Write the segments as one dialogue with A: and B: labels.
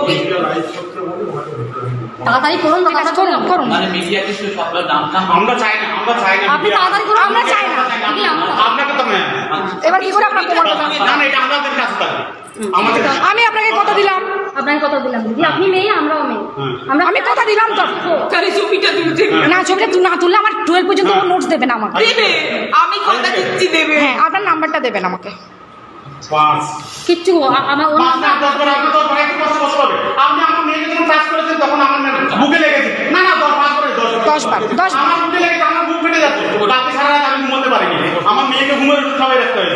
A: ছবি
B: তাড়াতাড়ি করুন, করুন।
C: মানে মিডিয়া কিছু সব নামটা
A: আমরা চাই না,
B: আপনি তাড়াতাড়ি করুন, আমরা চাই না।
A: আপনাকে তো ম্যাম
B: এবার কি করে আপনার প্রমাণ করবেন?
A: না না, এটা আমাদের কাছে থাকে আমাদের
B: আমি আপনাকে কথা দিলাম, আপনাকে কথা দিলাম দিদি, আপনি মেয়ে আমরাও মেয়ে, আমি কথা দিলাম তো।
D: তাহলে ছবিটা তুলতে
B: না, ছবিটা না তুললে আমার 12 পর্যন্ত নোটস দেবেন আমাকে।
D: দেবে, আমি কথা দিচ্ছি দেবে।
B: হ্যাঁ, আপনার নাম্বারটা দেবেন আমাকে।
A: পাঁচ
B: কিচ্ছু আমার
A: পাঁচ না 10 বার আপনি 10 বার একটু কষ্ট কষ্ট হবে। আপনি আমার মেয়েকে যখন টাচ করেছেন তখন আমার বুকে লেগেছে। না না 5 করে
B: 10 বার 10
A: আমার বুকে লেগেছে, আমার বুক ফেটে যাচ্ছে। রাতে সারা রাত আমি ঘুমোতে পারিনি। আমার মেয়েকে ঘুমের ওষুধ খাওয়াই রাখতে হয়েছে।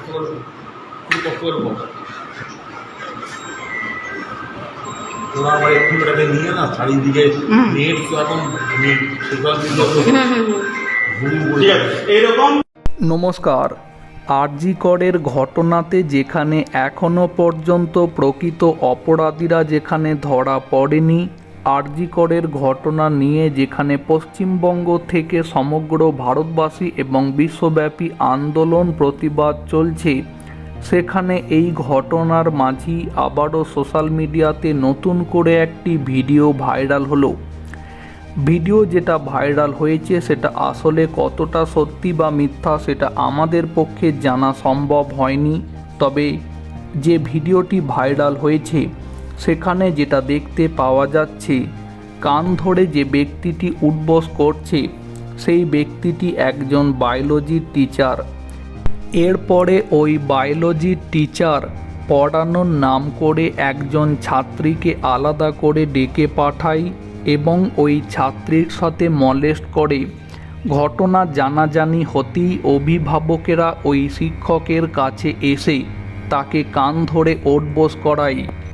E: ওরা আমার একটু এটাকে নিয়ে না চারিদিকে নেট তো এখন নেট সোশ্যাল মিডিয়া তো
A: ঠিক আছে, এইরকম
F: নমস্কার। আরজি করের ঘটনাতে যেখানে এখনও পর্যন্ত প্রকৃত অপরাধীরা যেখানে ধরা পড়েনি, আরজি করের ঘটনা নিয়ে যেখানে পশ্চিমবঙ্গ থেকে সমগ্র ভারতবাসী এবং বিশ্বব্যাপী আন্দোলন প্রতিবাদ চলছে, সেখানে এই ঘটনার মাঝেই আবারও সোশ্যাল মিডিয়াতে নতুন করে একটি ভিডিও ভাইরাল হলো। ভিডিও যেটা ভাইরাল হয়েছে সেটা আসলে কতটা সত্যি বা মিথ্যা সেটা আমাদের পক্ষে জানা সম্ভব হয়নি। তবে যে ভিডিওটি ভাইরাল হয়েছে সেখানে যেটা দেখতে পাওয়া যাচ্ছে, কান ধরে যে ব্যক্তিটি উঠবস করছে সেই ব্যক্তিটি একজন বায়োলজির টিচার। এরপরে ওই বায়োলজির টিচার পড়ানোর নাম করে একজন ছাত্রীকে আলাদা করে ডেকে পাঠায় এবং ওই ছাত্রীর সাথে মলেস্ট করে। ঘটনা জানাজানি হতেই অভিভাবকেরা ওই শিক্ষকের কাছে এসে তাকে কান ধরে ওঠবোস করায়।